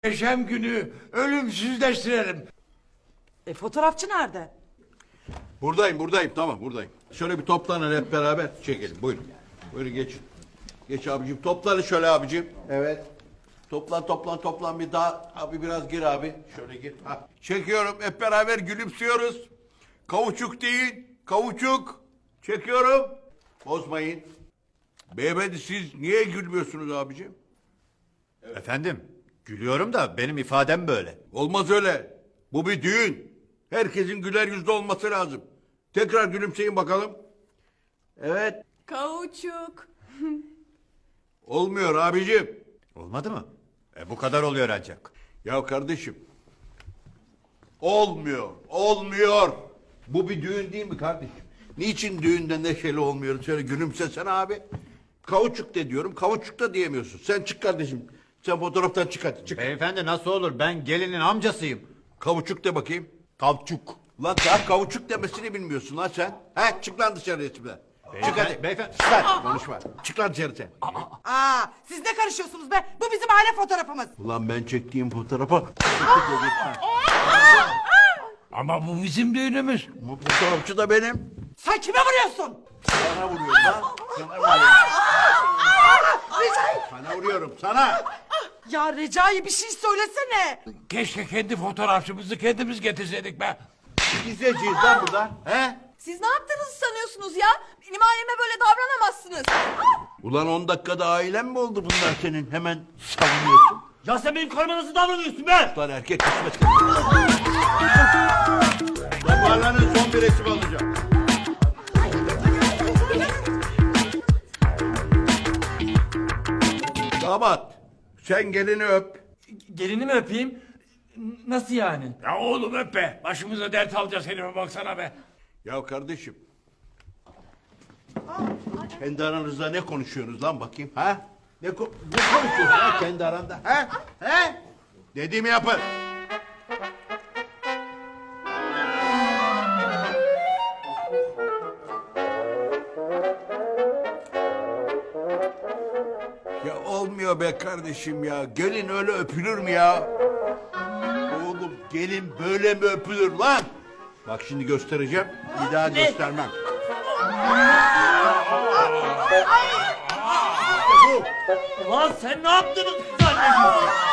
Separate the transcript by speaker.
Speaker 1: Yaşam günü ölümsüzleştirelim.
Speaker 2: Fotoğrafçı nerede?
Speaker 3: Buradayım, tamam buradayım. Şöyle bir toplanın hep beraber çekelim, buyurun. Buyurun geçin. Geç abicim, toplanın şöyle abicim. Evet. Toplan bir daha. Abi biraz gir abi. Şöyle gir. Ha. Çekiyorum, hep beraber gülümsüyoruz. Kavuçuk değil, kavuçuk. Çekiyorum. Bozmayın. Beyefendi siz niye gülmüyorsunuz abicim?
Speaker 4: Efendim, gülüyorum da benim ifadem böyle.
Speaker 3: Olmaz öyle. Bu bir düğün. Herkesin güler yüzlü olması lazım. Tekrar gülümseyin bakalım. Evet.
Speaker 5: Kauçuk.
Speaker 3: Olmuyor abicim.
Speaker 4: Olmadı mı? Bu kadar oluyor ancak.
Speaker 3: Ya kardeşim. Olmuyor. Bu bir düğün değil mi kardeşim? Niçin düğünde neşeli olmuyoruz? Şöyle gülümsesene abi. Kavuçuk de diyorum, kavuçuk da diyemiyorsun. Sen çık kardeşim. Sen fotoğraftan çık hadi, çık.
Speaker 4: Beyefendi nasıl olur? Ben gelinin amcasıyım.
Speaker 3: Kavuçuk de bakayım.
Speaker 4: Kavçuk.
Speaker 3: Lan daha kavuçuk demesini bilmiyorsun lan sen. He, çık lan dışarı resimden. Çık hadi.
Speaker 4: Beyefendi.
Speaker 3: Çık lan, konuşma. Çık lan dışarı sen.
Speaker 2: Siz ne karışıyorsunuz be? Bu bizim aile fotoğrafımız.
Speaker 3: Ulan ben çektiğim fotoğrafa...
Speaker 1: Ama bu bizim düğünümüz.
Speaker 3: Bu fotoğrafçı da benim.
Speaker 2: Sen kime vuruyorsun?
Speaker 3: Sana vuruyorum lan. Sana vuruyorum. Sana vuruyorum, sana.
Speaker 2: Ya Recai bir şey söylesene.
Speaker 1: Keşke kendi fotoğrafçımızı kendimiz getirseydik be.
Speaker 3: Gizleyeceğiz lan burada. He?
Speaker 5: Siz ne yaptığınızı sanıyorsunuz ya? Benim aileme böyle davranamazsınız.
Speaker 3: Ulan 10 dakikada ailen mi oldu bunlar senin? Hemen savunuyorsun.
Speaker 6: Ya sen benim karıma nasıl davranıyorsun be?
Speaker 3: Lan erkek kısmet. Toparlanın, son bir resim alacağım. Damat, sen gelini öp.
Speaker 6: Gelini mi öpeyim? Nasıl yani?
Speaker 1: Ya oğlum öp be. Başımıza dert alacağız herife baksana be.
Speaker 3: Ya kardeşim. Kendi aranızda ne konuşuyorsunuz lan bakayım ha? Ne konuşuyorsunuz lan kendi aranda ha? He? Dediğimi yapın. Ya olmuyor be kardeşim ya. Gelin öyle öpülür mü ya? Oğlum gelin böyle mi öpülür lan? Bak şimdi göstereceğim. Bir daha göstermem.
Speaker 6: Ulan sen ne yaptığını zannediyorsun?